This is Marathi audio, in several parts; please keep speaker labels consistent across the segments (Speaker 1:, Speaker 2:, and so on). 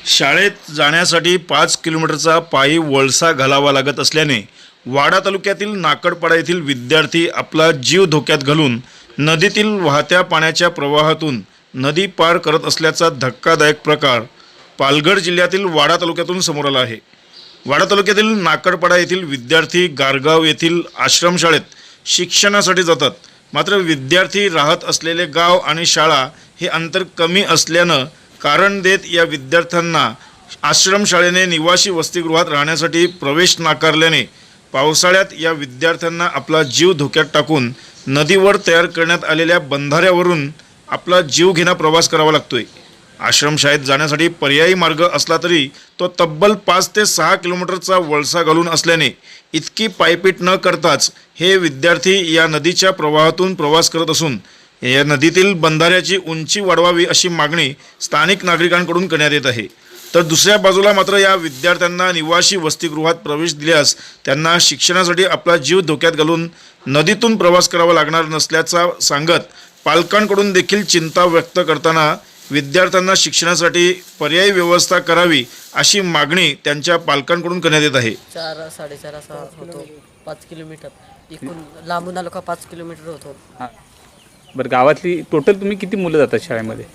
Speaker 1: शाळेत जाण्यासाठी 5 किलोमीटरचा पायी वळसा घालावा लागत असल्याने वाडा तालुक्यातील नाकडपाडा येथील विद्यार्थी आपला जीव धोक्यात घालून नदीतील वाहत्या पाण्याच्या प्रवाहातून नदी पार करत असल्याचा धक्कादायक प्रकार पालघर जिल्ह्यातील वाडा तालुक्यातून समोर आला आहे। वाडा तालुक्यातील नाकडपाडा येथील विद्यार्थी गारगाव येथील आश्रमशाळेत शिक्षणासाठी जातात। मात्र विद्यार्थी राहत असलेले गाव आणि शाळा हे अंतर कमी असल्यानं कारण देत या विद्यार्थ्यांना आश्रमशाळेने निवासी वसतिगृहात राहण्यासाठी प्रवेश नाकारल्याने पावसाळ्यात या विद्यार्थ्यांना आपला जीव धोक्यात टाकून नदीवर तयार करण्यात आलेल्या बंधाऱ्यावरून आपला जीव घेणा प्रवास करावा लागतोय। आश्रमशाळेत जाण्यासाठी पर्यायी मार्ग असला तरी तो तब्बल 5 ते 6 किलोमीटरचा वळसा घालून असल्याने इतकी पायपीट न करताच हे विद्यार्थी या नदीच्या प्रवाहातून प्रवास करत असून या नदीतील बंधाऱ्याची उंची वाढवावी अशी मागणी स्थानिक नागरिकांकडून करण्यात येत आहे। तर दुसऱ्या बाजूला मात्र या विद्यार्थ्यांना निवासी वसतिगृहात प्रवेश दिल्यास त्यांना शिक्षणासाठी आपला जीव धोक्यात घालून नदीतून प्रवास करावा लागणार नसल्याचा सांगत पालकांकडून देखील चिंता व्यक्त करताना विद्यार्थ्यांना शिक्षणासाठी पर्यायी व्यवस्था करावी अशी मागणी त्यांच्या पालकांकडून करण्यात येत आहे।
Speaker 2: 4-4.5 असा होतो 5 किलोमीटर इकडून लांबून आलो का 5 किलोमीटर होतो।
Speaker 3: बरं, गावातली टोटल तुम्ही किती मुलं जातात शाळेमध्ये?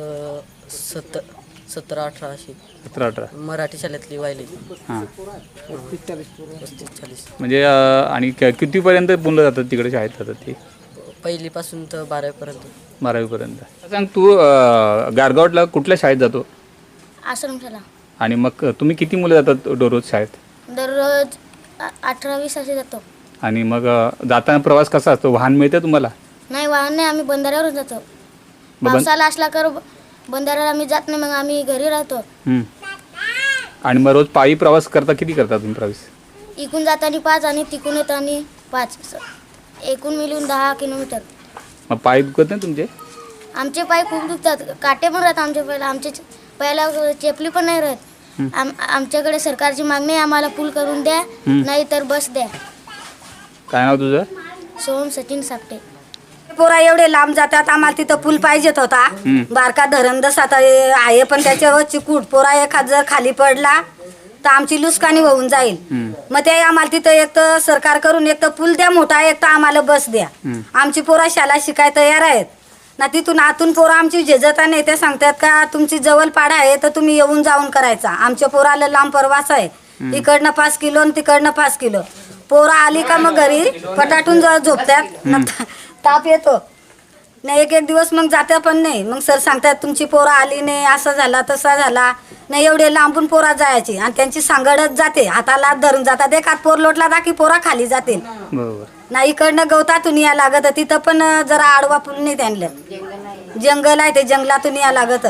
Speaker 2: 17-18 अशी
Speaker 3: 17-18
Speaker 2: मराठी शाळेतली वाहिली।
Speaker 3: हां,
Speaker 2: 35-40
Speaker 3: म्हणजे आणि कितीपर्यंत मुलं जातात तिकडे शाळेत जातात ती?
Speaker 2: पहिलीपासून तर 12वी पर्यंत।
Speaker 3: 12वी पर्यंत। सांग तू गारगावला कुठल्या शाळेत जातो?
Speaker 4: आश्रमशाला।
Speaker 3: आणि मग तुम्ही किती मुलं जातात दररोज शाळेत?
Speaker 4: दररोज 18-20 असे जातो।
Speaker 3: आणि मग जाताना प्रवास कसा असतो? वाहन मिळतं तुम्हाला?
Speaker 4: नाही, वाहन नाही, आम्ही बंधाऱ्यावरून जातो। पावसाला असला कर बंधाऱ्याला आम्ही जात नाही, मग आम्ही घरी राहतो।
Speaker 3: आणि मग रोज पायी प्रवास करता? किती करता तुम्ही प्रवास?
Speaker 4: इकून जाताना 5 आणि तिकून येताना 5, एकूण मिळून 10 किलोमीटर।
Speaker 3: मग पाय दुखत नाही तुमचे?
Speaker 4: आमचे पाय खूप दुखतात, काटे पण राहतात आमच्या पायाला, पहिला चेपली पण नाही राहत। आमच्याकडे सरकारची मागणी आहे, आम्हाला पूल करून द्या, नाही तर बस द्या।
Speaker 3: काय नाव तुझं?
Speaker 4: सोहम सचिन सापटे।
Speaker 5: पोरा एवढे लांब जातात, आम्हाला तिथं पूल पाहिजेत होता। बारका धरण आता आहे, पण त्याच्यावर चिकूट पोरा एखाद जर खाली पडला तर आमची लुसकानी होऊन जाईल। मग ते आम्हाला तिथं एक तर सरकार करून एक तर पूल द्या मोठा, एक तर आम्हाला बस द्या। आमची पोरा शाळा शिकाय तयार आहेत ना, तिथून आतून पोरा आमची झेजता नाही, ते सांगतात का तुमची जवळ पाडा आहे तर तुम्ही येऊन जाऊन करायचा। आमच्या पोराला लांब प्रवास आहे, इकडनं 5 किलो आणि तिकडनं 5 किलो। पोरा आली का मग घरी पटाटून झोपतात, ताप येतो नाही, एक दिवस मग जात्या पण नाही। मग सर सांगतात तुमची पोरा आली नाही, असं झाला तसा झाला नाही। एवढे लांबून पोरा जायची आणि त्यांची सांगडच जाते, हाताला धरून जातात, एक हात पोर लोटला ना की पोरा खाली जातील।
Speaker 3: बरोबर
Speaker 5: नाही, इकडनं गवतातून या लागत, तिथं पण जरा आडवा पूल नाही त्यांना, जंगल आहे ते जंगलातून या लागत।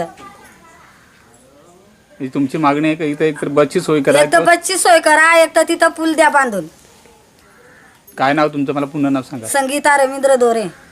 Speaker 3: तुमची मागणी आहे का इथं एक तर बसची सोय करा?
Speaker 5: एक तर बसची सोय करा, एक तर तिथं पूल द्या बांधून।
Speaker 3: काय नाव तुमचं? मला पुन्हा नाव सांगा।
Speaker 5: संगीता रवींद्र दोरे।